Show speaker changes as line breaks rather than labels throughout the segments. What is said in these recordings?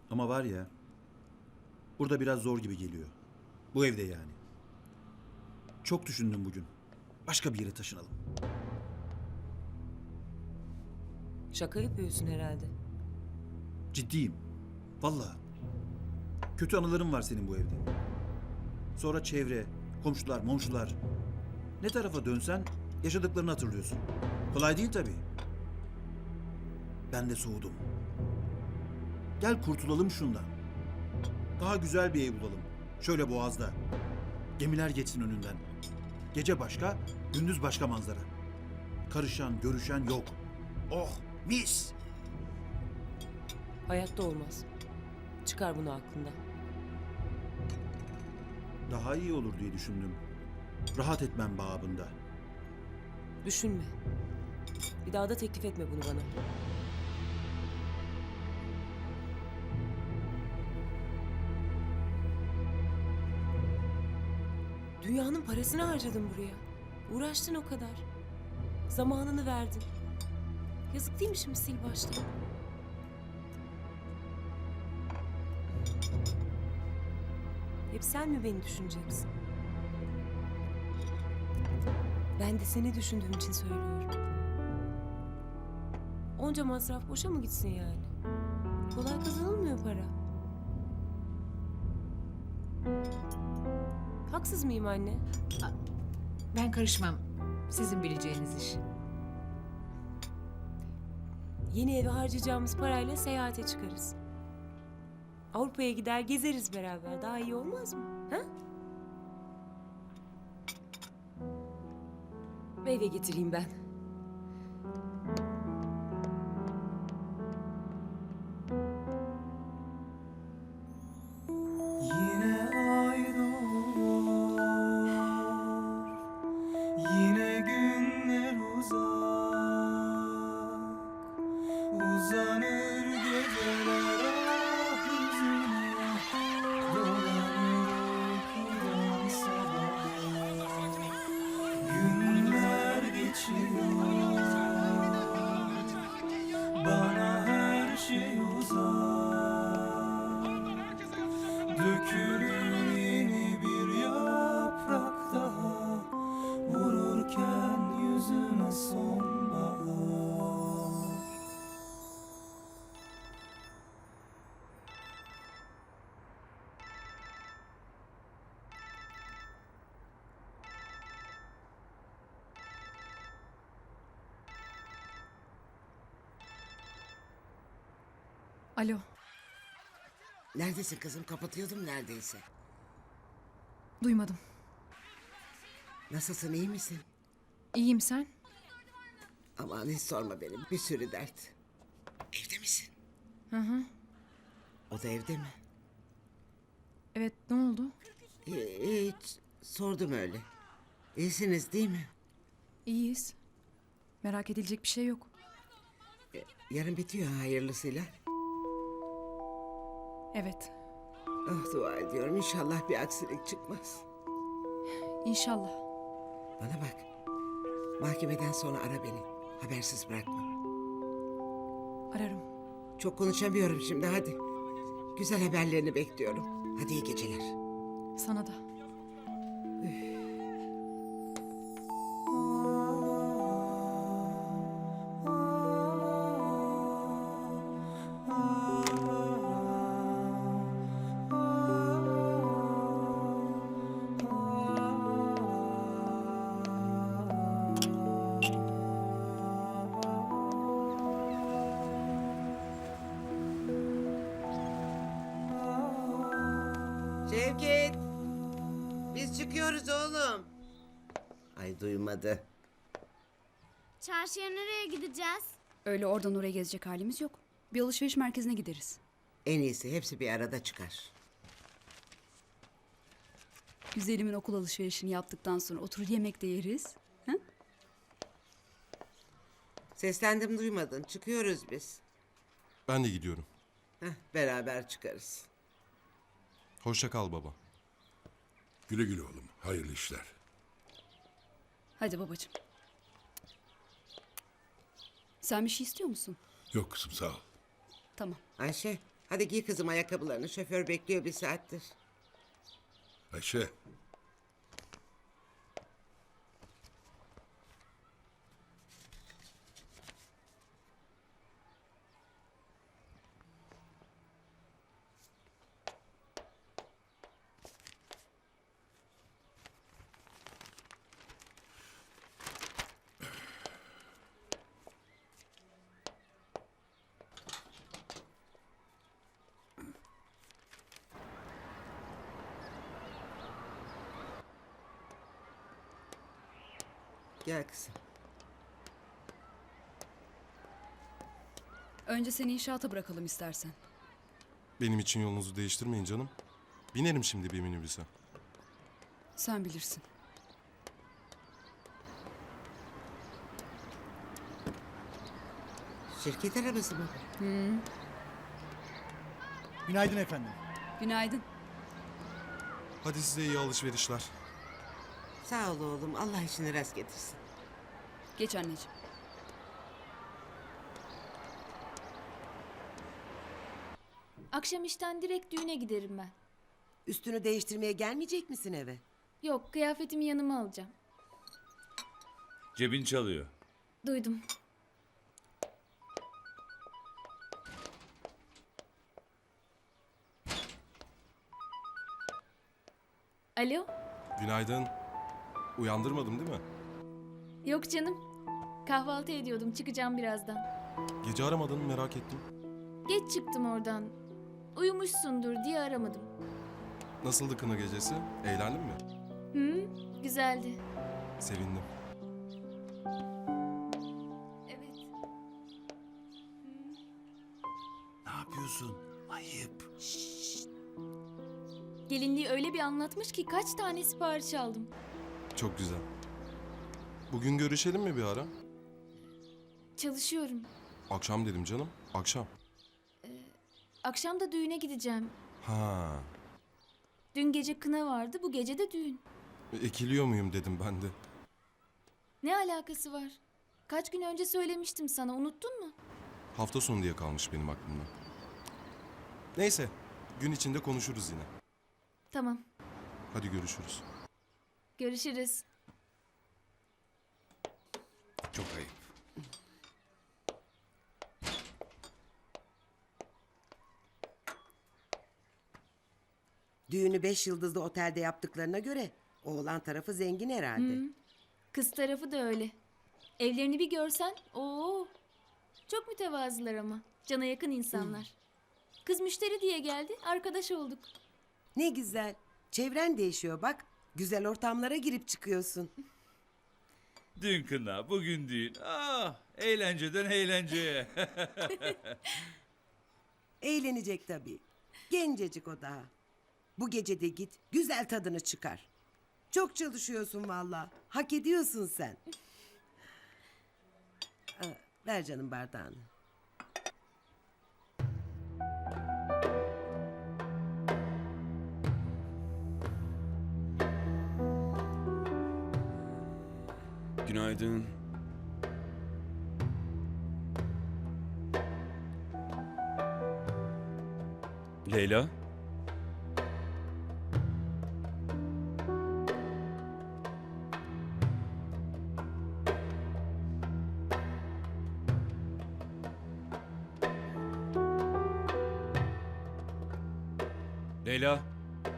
Ama var ya, burada biraz zor gibi geliyor. Bu evde yani. Çok düşündüm bugün. Başka bir yere taşınalım.
Şaka yapıyorsun herhalde.
Ciddiyim. Vallahi. Kötü anılarım var senin bu evde. Sonra çevre, komşular, momşular. Ne tarafa dönsen yaşadıklarını hatırlıyorsun. Kolay değil tabii. Ben de soğudum. Gel kurtulalım şundan. Daha güzel bir ev bulalım. Şöyle Boğaz'da. Gemiler geçsin önünden. Gece başka, gündüz başka manzara. Karışan, görüşen yok. Oh, mis!
Hayatta olmaz. Çıkar bunu aklından.
Daha iyi olur diye düşündüm. Rahat etmem babında.
Düşünme. Bir daha da teklif etme bunu bana. Dünyanın parasını harcadın buraya. Uğraştın o kadar. Zamanını verdin. Yazık değil mi şimdi sil baştan? Hep sen mi beni düşüneceksin? Ben de seni düşündüğüm için söylüyorum. Onca masraf boşa mı gitsin yani? Kolay kazanılmıyor para. Haksız mıyım anne?
Ben karışmam. Sizin bileceğiniz iş.
Yeni eve harcayacağımız parayla seyahate çıkarız. Avrupa'ya gider gezeriz beraber. Daha iyi olmaz mı? Ha? Meyve getireyim ben.
Yine aynı olur, yine günler uzak, uzanır geceler ah yüzüne, dolanır uykudan sabaha. Günler geçiyor, bana her şey uzak. Dökülür yeni bir yaprak daha, vururken yüzüme sonbahar.
Alo,
Neredesin kızım? Kapatıyordum neredeyse.
duymadım.
Nasılsın, iyi misin?
İyiyim sen?
Aman hiç sorma benim. Bir sürü dert. Evde misin?
Hı hı.
O da evde mi?
Evet, ne oldu?
Hiç. Sordum öyle. İyisiniz değil mi?
İyiyiz. Merak edilecek bir şey yok.
Yarın bitiyor hayırlısıyla.
Evet,
Ah dua ediyorum. İnşallah bir aksilik çıkmaz.
inşallah.
Bana bak. Mahkemeden sonra ara beni. Habersiz bırakma.
Ararım.
Çok konuşamıyorum şimdi hadi. Güzel haberlerini bekliyorum. Hadi iyi geceler.
Sana da.
Şevket! Biz çıkıyoruz oğlum. Ay duymadı.
Çarşıya nereye gideceğiz?
Öyle oradan oraya gezecek halimiz yok. Bir alışveriş merkezine gideriz.
En iyisi hepsi bir arada çıkar.
Güzelimin okul alışverişini yaptıktan sonra oturur yemek de yeriz. Ha?
Seslendim duymadın. Çıkıyoruz biz.
Ben de gidiyorum.
Beraber çıkarız.
Hoşça kal baba.
Güle güle oğlum. Hayırlı işler.
Hadi babacığım. Sen bir şey istiyor musun?
Yok kızım sağ ol.
Tamam.
Ayşe Hadi giy kızım ayakkabılarını. Şoför bekliyor bir saattir.
Ayşe.
Gel kızım.
Önce seni inşaata bırakalım istersen.
Benim için yolunuzu değiştirmeyin canım. Binerim şimdi bir minibüse.
Sen bilirsin.
Şirket arabası mı?
Günaydın efendim.
Günaydın.
Hadi size iyi alışverişler.
Sağ ol oğlum. Allah işini rast getirsin.
Geç anneciğim.
Akşam işten direkt düğüne giderim ben.
Üstünü değiştirmeye gelmeyecek misin eve?
Yok, kıyafetimi yanıma alacağım.
Cebin çalıyor.
Duydum. Alo?
Günaydın. Uyandırmadım değil mi?
Yok canım. Kahvaltı ediyordum, çıkacağım birazdan.
Gece aramadın merak ettim.
Geç çıktım oradan. Uyumuşsundur diye aramadım.
Nasıldı kına gecesi? Eğlendin mi?
Hı, güzeldi.
Sevindim.
Evet.
Ne yapıyorsun? Ayıp.
Gelinliği öyle bir anlatmış ki kaç tane sipariş aldım.
Çok güzel. Bugün görüşelim mi bir ara?
Çalışıyorum.
Akşam dedim canım. Akşam.
Akşam da düğüne gideceğim.
Ha.
Dün gece kına vardı, bu gece de düğün.
Ekiliyor muyum dedim ben de.
Ne alakası var? Kaç gün önce söylemiştim sana, unuttun mu?
Hafta sonu diye kalmış benim aklımda. Neyse. Gün içinde konuşuruz yine.
Tamam,
Hadi görüşürüz.
görüşürüz.
Çok ayıp.
Düğünü 5 yıldızlı otelde yaptıklarına göre oğlan tarafı zengin herhalde.
Kız tarafı da öyle. Evlerini bir görsen, oo, çok mütevazılar ama. Cana yakın insanlar. Kız müşteri diye geldi, arkadaş olduk.
Ne güzel. Çevren değişiyor bak. Güzel ortamlara girip çıkıyorsun.
Dün kına, bugün düğün. Ah, eğlenceden eğlenceye.
Eğlenecek tabii. Gencecik o daha. Bu gece de git, güzel tadını çıkar. Çok çalışıyorsun vallahi. Hak ediyorsun sen. Ver canım bardağını.
Günaydın. Leyla? Leyla?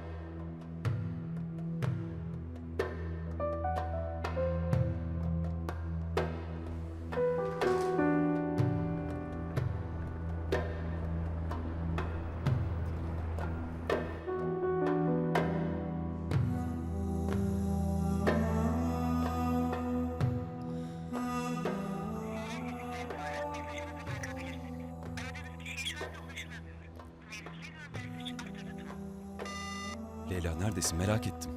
Leyla neredesin? Merak ettim.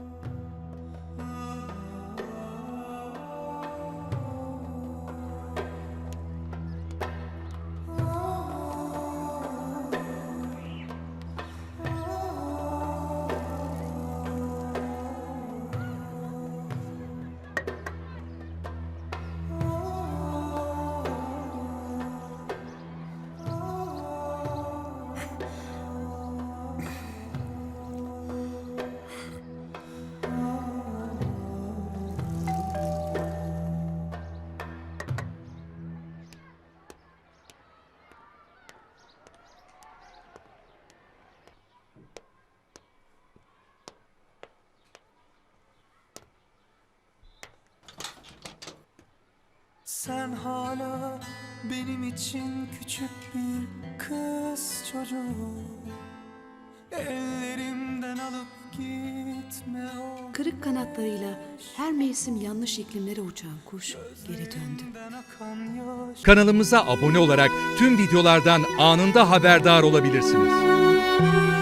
sen hala benim için küçük bir kız çocuğu. Ellerimden alıp gitme o
Kırık kanatlarıyla her mevsim yanlış iklimlere uçan kuş geri döndü.
gözlerinden akan yaş.
Kanalımıza abone olarak tüm videolardan anında haberdar olabilirsiniz.